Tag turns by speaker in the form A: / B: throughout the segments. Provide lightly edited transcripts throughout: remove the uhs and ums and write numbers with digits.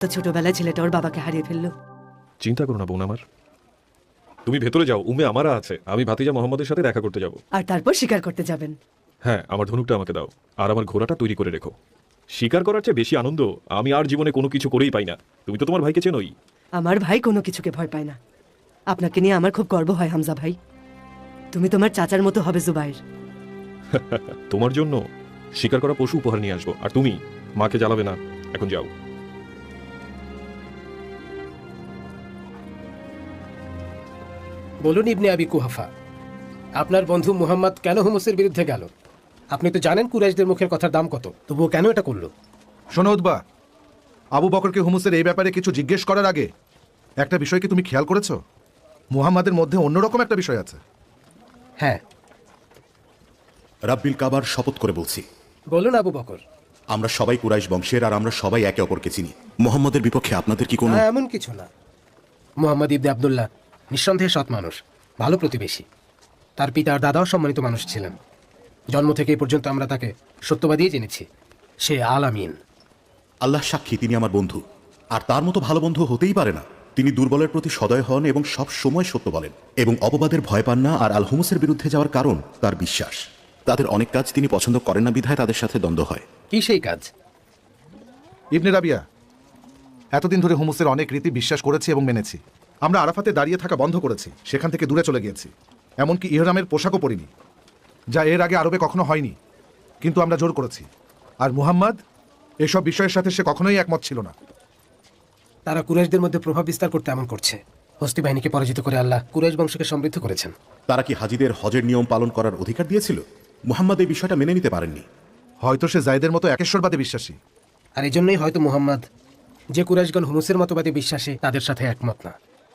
A: তো ছোটবেলায় ছেলেটা ওর বাবাকে হারিয়ে ফেললো।
B: চিন্তা করো না বোন আমার, তুমি ভেতরে যাও, উমে আমারা আছে, আমি ভাতিজা মোহাম্মদের সাথে দেখা করতে যাব।
A: আর তারপর শিকার করতে যাবেন।
B: হ্যাঁ, আমার ধনুকটা আমাকে দাও, আর আমার ঘোড়াটা তৈরি করে রেখো। শিকার করার চেয়ে বেশি আনন্দ আমি আর জীবনে কোনো কিছু করেই পাই না। তুমি তো তোমার ভাইকে চেনোই।
A: আমার ভাই কোনো কিছুকে ভয় পায় না। আপনাকে নিয়ে আমার খুব গর্ব হয় হামজা ভাই। তুমি তোমার চাচার মতো হবে জুবাইর।
B: তোমার জন্য শিকার করা পশু উপহার নিয়ে আসবো, আর তুমি মাকে জ্বালাবে না। এখন যাও।
C: বলুন ইবনে আবি কুহাফা, আপনার বন্ধু মুহাম্মদ কেন হুমসের বিরুদ্ধে গেল? আপনি তো জানেন কুরাইশদের মুখের কথার দাম কত, তবুও কেন এটা করলো?
D: শোনো উতবা, আবু বকরকে হুমুসের এই ব্যাপারে কিছু জিজ্ঞেস করার আগে একটা বিষয় কি তুমি খেয়াল করেছো? মুহাম্মাদের মধ্যে অন্যরকম একটা বিষয় আছে।
C: হ্যাঁ,
E: রাব্বিল কাবার শপথ করে বলছি,
C: বলুন আবু বকর।
E: আমরা সবাই কুরাইশ বংশের, আর আমরা সবাই একে অপরকে চিনি। মোহাম্মদের বিপক্ষে আপনাদের কি কোনো?
C: এমন কিছু না। মুহাম্মদ ইবনে আব্দুল্লাহ নিঃসন্দেহে সৎ মানুষ, ভালো প্রতিবেশী। তার পিতা আর দাদাও সম্মানিত মানুষ ছিলেন। জন্ম থেকে এই পর্যন্ত আমরা তাকে সত্যবাদী জেনেছি। সে আল আমিন।
E: আল্লাহ সাক্ষী, তিনি আমার বন্ধু, আর তার মতো ভালো বন্ধু হতেই পারে না। তিনি দুর্বলের প্রতি সদয় হন এবং সব সময় সত্য বলেন এবং অপবাদের ভয় পান না। আর আল হুমুসের বিরুদ্ধে যাওয়ার কারণ তার বিশ্বাস। তাদের অনেক কাজ তিনি পছন্দ করেন না, বিধায় তাদের সাথে দ্বন্দ্ব হয়।
C: কি সেই কাজ?
D: ইবনে রাবিয়া, এতদিন ধরে হুমুসের অনেক রীতি বিশ্বাস করেছি এবং মেনেছি। আমরা আরাফাতে দাঁড়িয়ে থাকা বন্ধ করেছি, সেখান থেকে দূরে চলে গিয়েছি। এমনকি ইহরামের পোশাকও পরিনি, যা এর আগে আরবে কখনো হয়নি। কিন্তু আমরা জোর করেছি। আর মুহাম্মদ এসব বিষয়ের সাথে সে কখনোই একমত ছিল না।
C: তারা কুরাইশদের মধ্যে প্রভাব বিস্তার করতে এমন করছে। হস্তি বাহিনীকে পরাজিত করে আল্লাহ কুরাইশ বংশকে সমৃদ্ধ করেছেন।
E: তারা কি হাজিদের হজের নিয়ম পালন করার অধিকার দিয়েছিল? মুহাম্মদ এই বিষয়টা মেনে নিতে পারেননি।
D: হয়তো সে জায়েদের মতো একেশ্বরবাদে বিশ্বাসী।
C: আর এই জন্যই হয়তো মুহাম্মদ, যে কুরাইশগণ হুমুসের মতবাদে বিশ্বাসী, তাদের সাথে একমত না।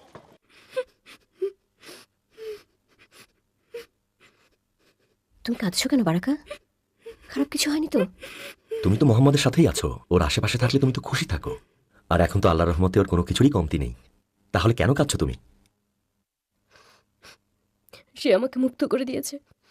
F: তুমি কাঁদছো কেন বারাকা? খারাপ কিছু হয়নি তো?
G: তুমি তো মোহাম্মদের সাথেই আছো, ওর আশেপাশে থাকলে তুমি তো খুশি থাকো। আর এখন তো আল্লাহর রহমতে ওর কোনো কিছুরই কমতি নেই। তাহলে কেন কাঁদছো তুমি?
F: সে আমাকে মুক্ত করে দিয়েছে।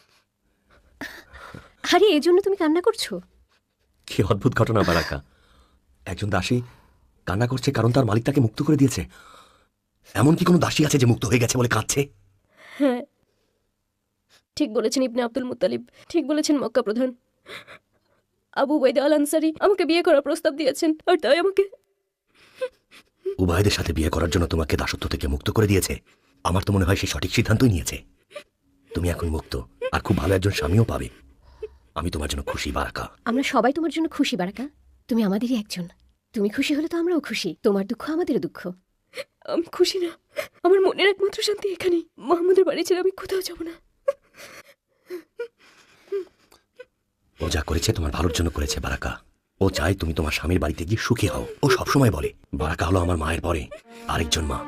F: আরে এই জন্য তুমি কান্না করছো?
G: কি অদ্ভুত ঘটনা বারাকা, একজন দাসী কান্না করছে কারণ তার মালিক তাকে মুক্ত করে দিয়েছে। এমন কি কোনো দাসী আছে যে মুক্ত হয়ে গেছে বলে কাঁদছে?
F: হ্যাঁ, ঠিক বলেছেন ইবনে আব্দুল মুত্তালিব, ঠিক বলেছেন মক্কা প্রধান। আবু উবাইদা আল আনসারী আমাকে বিয়ে করার প্রস্তাব দিয়েছেন, আর তাই আমাকে
G: উবাইদের সাথে বিয়ে করার জন্য তোমাকে দাসত্ব থেকে মুক্ত করে দিয়েছে। আমার তো মনে হয় সে সঠিক সিদ্ধান্তই নিয়েছে। তুমি এখন মুক্ত, আর খুব ভালো একজন স্বামীও পাবে। আমি তোমার জন্য খুশি বারাকা।
F: আমরা সবাই তোমার জন্য খুশি বারাকা, তুমি আমাদেরই একজন। তুমি খুশি হলে তো আমরাও খুশি। তোমার দুঃখ আমাদেরও দুঃখ। আমি খুশি না, আমার মনের একমাত্র শান্তি এখানেই। মোহাম্মদের বাড়ি ছেড়ে আমি কোথাও যাব না।
G: ও যা করেছে তোমার ভালোর জন্য করেছে বারাকা। ও চায় তুমি তোমার স্বামীর বাড়িতে গিয়ে সুখী হও। ও সবসময় বলে বারাকা হলো আমার মায়ের পরে আরেকজন মা।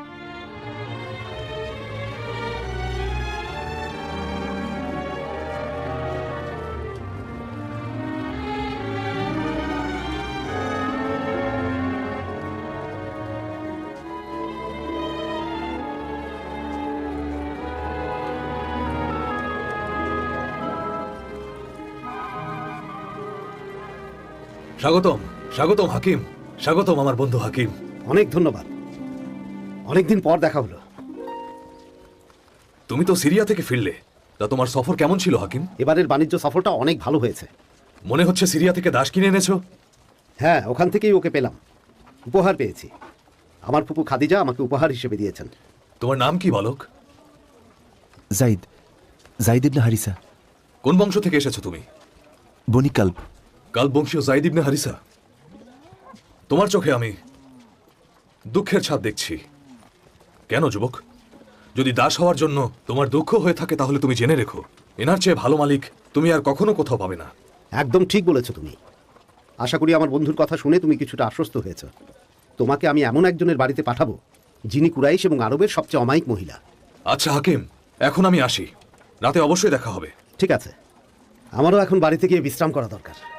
H: স্বাগতম, স্বাগতম হাকিম, স্বাগতম আমার বন্ধু হাকিম।
I: অনেক ধন্যবাদ, অনেকদিন পর দেখা হলো।
H: তুমি তো সিরিয়া থেকে ফিরলে, তা তোমার সফর কেমন ছিল হাকিম?
I: এবারের বাণিজ্য সফরটা অনেক ভালো হয়েছে।
H: মনে হচ্ছে সিরিয়া থেকে দাস কিনে এনেছো।
I: হ্যাঁ, ওখান থেকেই ওকে পেলাম। উপহার পেয়েছি। আমার ফুপু খাদিজা আমাকে উপহার হিসেবে দিয়েছেন।
H: তোমার নাম কি বালক?
J: জাইদ, জাইদ ইবনে হারিসা।
H: কোন বংশ থেকে এসেছো তুমি?
J: বনি কাল্ব।
H: কাল বংশীয় জাইদ ইবনে হারিসা। তোমার চোখে আমি দুঃখের ছাপ দেখছি। কেন যুবক? যদি দাস হওয়ার জন্য তোমার দুঃখ হয়ে থাকে তাহলে তুমি জেনে রেখো, এনার চেয়ে ভালো মালিক তুমি আর কখনো কোথাও পাবে না।
I: একদম ঠিক বলেছো তুমি। আশা করি আমার বন্ধুর কথা শুনে তুমি কিছুটা আশ্বস্ত হয়েছ। তোমাকে আমি এমন একজনের বাড়িতে পাঠাবো যিনি কুরাইশ এবং আরবের সবচেয়ে অমায়িক মহিলা।
H: আচ্ছা হাকিম, এখন আমি আসি, রাতে অবশ্যই দেখা হবে।
I: ঠিক আছে, আমারও এখন বাড়িতে গিয়ে বিশ্রাম করা দরকার।